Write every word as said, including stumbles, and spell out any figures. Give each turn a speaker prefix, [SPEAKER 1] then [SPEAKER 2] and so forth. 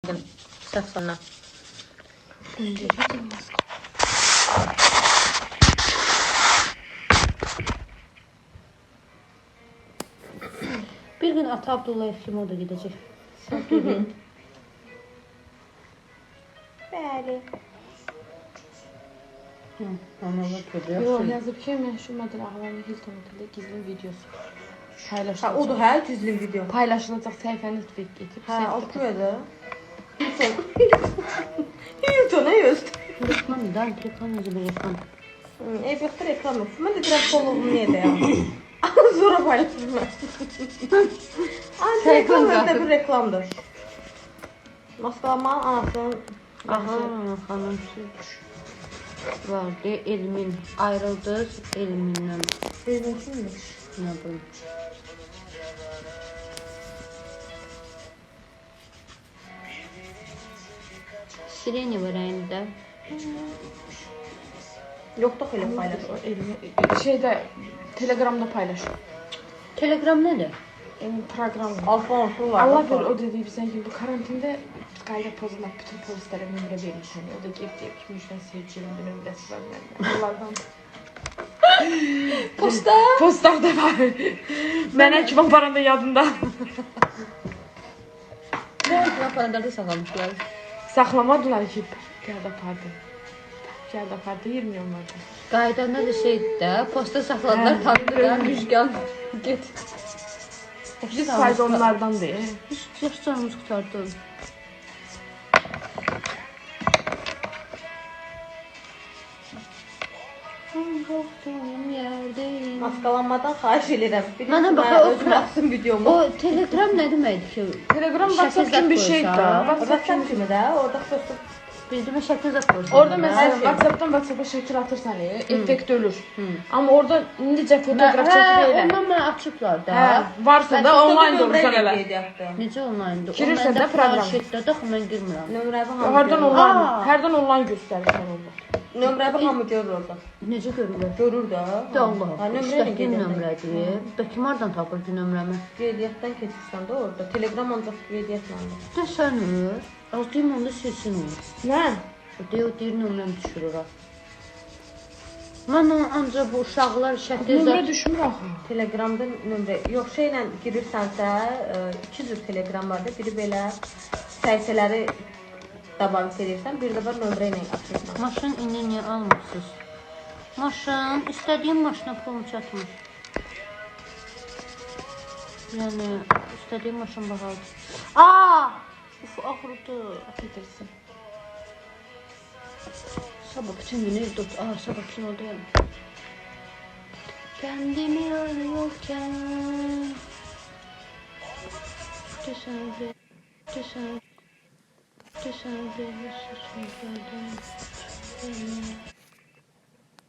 [SPEAKER 1] çəkin. Səhv sana. Bir gün Ata Abdullayev kimi o da gidəcək.
[SPEAKER 2] Bəli.
[SPEAKER 3] Yox, yazıb ki, məşhur model Ağlanlı Hilton oteldə gizli videosu paylaşılacaq.
[SPEAKER 2] Ha, odur hə, gizli video.
[SPEAKER 3] Paylaşılacaq səhifəniz getib.
[SPEAKER 2] Hə, oxuyordu. Hilton. Hilton, nə yoxdur?
[SPEAKER 1] Reklam da, reklam necə bir reklam.
[SPEAKER 2] Ev yoxdur, reklam yoxdur. Mən də deyirəm, poloğum niyə deyəm? Sonra paylaşırım mən. Reklam da bir reklamdır. Maskalanmanın anasının...
[SPEAKER 1] Aha, xanım vardı, Elmin ayrıldı, Elminlə.
[SPEAKER 2] Elmin kimdir?
[SPEAKER 1] Nə bilim. Sireni var əlində.
[SPEAKER 2] Yoxdur elə paylaşır.
[SPEAKER 3] Şeydə, Telegramda paylaşır.
[SPEAKER 1] Telegram nədir?
[SPEAKER 3] Yəni, proqram var.
[SPEAKER 2] Alfonso var.
[SPEAKER 3] Allah bir o dediği bizden gibi bu karantinde qayda pozulmaq bütün polislere nömrə vermiş. Hani o da gelip deyip ki, Müjdən sevgilimdə nömrəsi var məndə. Onlardan.
[SPEAKER 2] Posta?
[SPEAKER 3] Postlarda var. Mənə kim aparanda yadında.
[SPEAKER 1] Nə aparanda saxlamışlar.
[SPEAKER 3] Saxlamadılar ki, gəldi apardı. Gəldi apardı, yirmi onlardan.
[SPEAKER 1] Qaydanda da şeydir də, posta saxladılar, tanıdılar, Müjgan, get.
[SPEAKER 3] Biz fayda onlardan deyil.
[SPEAKER 1] Yaxşı canımız qutardı.
[SPEAKER 2] Maskalanmadan xahiş edirəm.
[SPEAKER 1] Mənə bax,
[SPEAKER 2] özüm açsın videomu.
[SPEAKER 1] O Telegram nə deməkdir ki?
[SPEAKER 3] Telegram WhatsApp kimi bir şeydir da.
[SPEAKER 2] WhatsApp kimi də, orada xüsusi
[SPEAKER 1] Bildirmə şəklini zət qoyursan.
[SPEAKER 3] Orada mesela WhatsApp'tan WhatsApp'a şəkil atırsan, effekt ölür. Amma orada indicə fotoğraf çəkib elə.
[SPEAKER 1] Ondan mənə açıblar da.
[SPEAKER 3] Hə, varsa da online durursan elə.
[SPEAKER 1] Necə online'dır?
[SPEAKER 3] Girirsən də proqram.
[SPEAKER 1] Şəkildə axı mən girmirəm.
[SPEAKER 2] Nömrəvi hamı
[SPEAKER 3] Hardan
[SPEAKER 2] görür.
[SPEAKER 3] online, hərdən online göstərirsən orada.
[SPEAKER 2] Nömrəvi hamı görür orada.
[SPEAKER 1] Necə görürlər?
[SPEAKER 2] Görür də.
[SPEAKER 1] Da Allah.
[SPEAKER 2] Ha, nömrə ilə
[SPEAKER 1] Nömrəli
[SPEAKER 2] gedirsən.
[SPEAKER 1] nömrədir. Bəki hardan tapır ki nömrəmi?
[SPEAKER 2] Qeydiyyatdan keçirsən də orada. Telegram ancaq qeydiyyatlandır.
[SPEAKER 1] Desənir. Az deyim onda silsin onu.
[SPEAKER 2] Nə?
[SPEAKER 1] Deyir, o deyir nömrəni düşürür ha. Mən ancaq bu uşaqlar şəkil
[SPEAKER 3] Nömrə düşmür axı.
[SPEAKER 2] Telegramda nömrə, yox şeylə girirsənsə, iki cür Telegram vardır. Biri belə səhifələri dabank edirsən, bir də var nömrə ilə açırsan.
[SPEAKER 1] Maşın indi niyə almırsınız? Maşın, istədiyim maşına pulum çatmır. Yəni, istədiyim maşın bahalıdır. Aaa! Uf, axırdı.
[SPEAKER 3] Getirsin.
[SPEAKER 1] Sabah bütün günü evdə otur. Aa, sabah kinodayım. Kendimi arıyorken Tesadüf Tesadüf Tesadüf Tesadüf